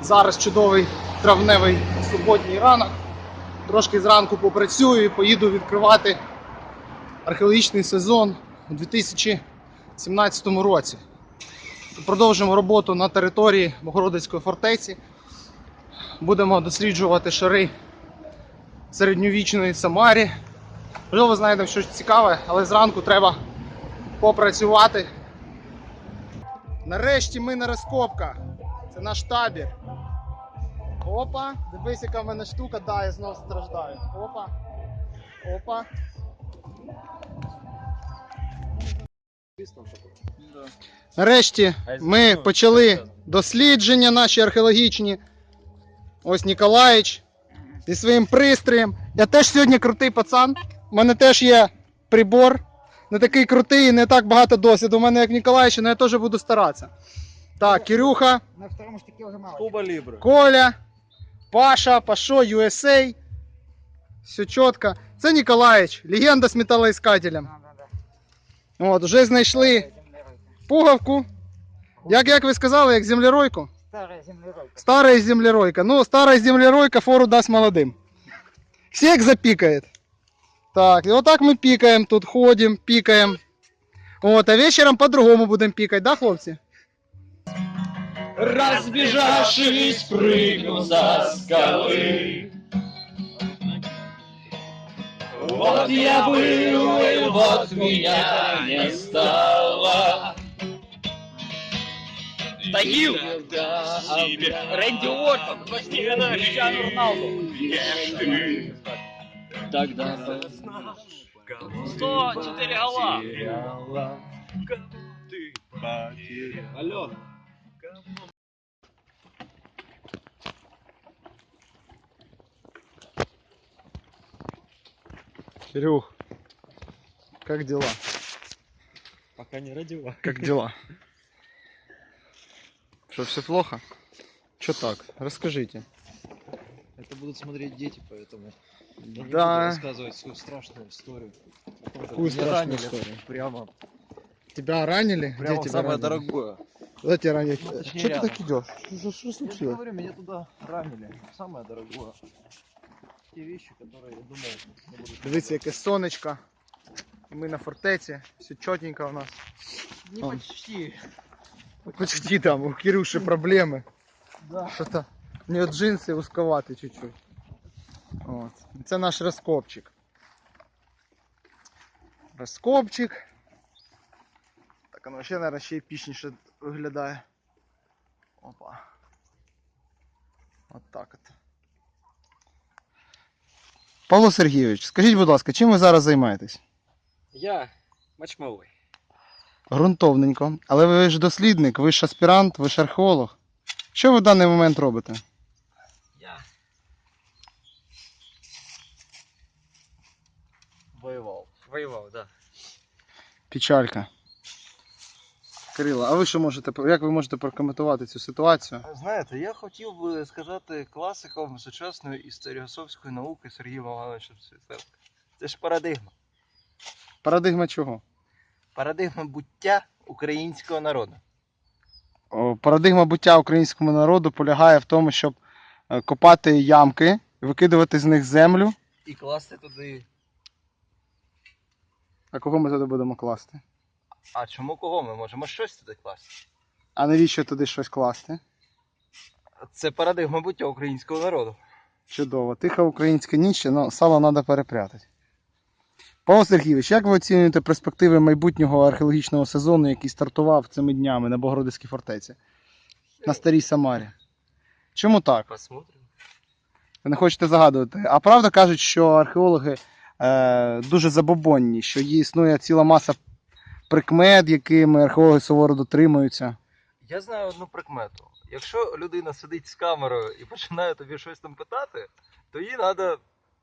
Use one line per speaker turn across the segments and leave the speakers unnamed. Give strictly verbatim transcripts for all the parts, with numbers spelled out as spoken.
Зараз чудовий травневий суботній ранок. Трошки зранку попрацюю і поїду відкривати археологічний сезон у дві тисячі сімнадцятому році. Продовжимо роботу на території Богородицької фортеці. Будемо досліджувати шари середньовічної Самарі. Можливо, знайдемо щось цікаве, але зранку треба попрацювати. Нарешті ми на розкопках. Це наш табір. Опа, дивись, яка в мене штука, да, я знову страждаю. Опа. Опа. Нарешті ми почали дослідження наші археологічні. Ось Ніколаїч зі своїм пристроєм. Я теж сьогодні крутий пацан. У мене теж є прибор. Не такий крутий, не так багато досвіду. У мене як Ніколаїч, але я теж буду старатися. Так, Кирюха, Коля, Паша, Пашо, ю ес ей. Все чітко. Це Ніколаїч, легенда з металоіскателем. От, вже знайшли пуговку. Як, як ви сказали, як землеройку?
Старая землеройка.
Старая землеройка. Ну, старая землеройка фору дасть молодым. Всех запикает. Так, и вот так мы пикаем тут, ходим, пикаем. Вот, а вечером по-другому будем пикать, да, хлопцы?
Разбежавшись, прыгну за скалы. Вот я был, и вот меня не стало. Тагил! Рэнди Уортон! Криштиану Роналду! Тогда сто четыре гола! Алло!
Кирюх, как дела?
Пока не родила.
Как дела? Что, все плохо? Что так? Расскажите.
Это будут смотреть дети, поэтому я не
Да.
буду рассказывать свою страшную историю.
Какую страшную
ранили
историю?
Прямо,
Тебя ранили?
прямо
Где тебя
самое
ранили?
дорогое.
Куда тебя ранили?
Ну, точнее,
Что ты
рядом.
так идешь? Что, что
Я же
случилось?
говорю, меня туда ранили. Самое дорогое. Те вещи, которые я думал, не буду.
Дивіться, яке сонечко. І ми на фортеці. Все чотенько у нас.
Не
Он.
почти.
Почти там, у Кирюши проблеми.
Да.
Що-то у нього джинси узковаті чуть-чуть. От. Це наш розкопчик. Розкопчик. Так, воно ще, мабуть, ще епічніше виглядає. Опа. От так от. Павло Сергійович, скажіть, будь ласка, чим ви зараз займаєтесь?
Я мачмовий.
Грунтовненько. Але ви ж дослідник, ви ж аспірант, ви ж археолог. Що ви в даний момент робите?
Я
Воевал.
воював, да.
Печалька. Кирило, а ви що можете, як ви можете прокоментувати цю ситуацію?
Знаєте, я хотів би сказати класиком сучасної історіософської науки Сергієм Івановичем Світленко. Це ж парадигма.
Парадигма чого?
Парадигма буття українського народу.
О, Парадигма буття українському народу полягає в тому, щоб е, копати ямки, викидувати з них землю.
І класти туди.
А кого ми туди будемо класти?
А чому кого? Ми можемо щось туди класти.
А навіщо туди щось класти?
Це парадигма буття українського народу.
Чудово. Тиха українська ніч, але сало треба перепрятати. Павло Сергійович, як ви оцінюєте перспективи майбутнього археологічного сезону, який стартував цими днями на Богородицькій фортеці? На Старій Самарі. Чому так?
Посмотрим.
Ви не хочете загадувати. А правда кажуть, що археологи е, дуже забобонні, що є існує ціла маса прикмет, якими археологи суворо дотримуються.
Я знаю одну прикмету. Якщо людина сидить з камерою і починає тобі щось там питати, то їй треба...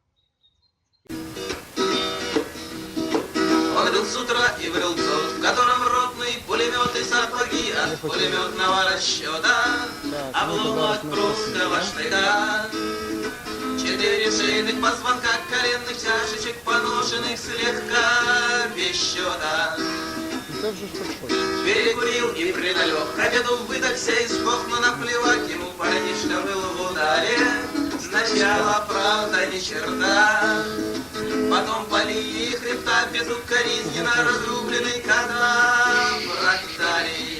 Он был с утра и врел тот, в котором ротный пулемет и сапоги от пулеметного расчета, обломок от прусского штыка. Четыре шейных позвонка, коленных чашечек, поношенных слегка без счета. Перекурил и придалек, к обеду выдохся и сдох, но наплевать ему парнишка Сначала, правда, ни черта, потом поли хребта безукоризненно разрубленный когда практарий.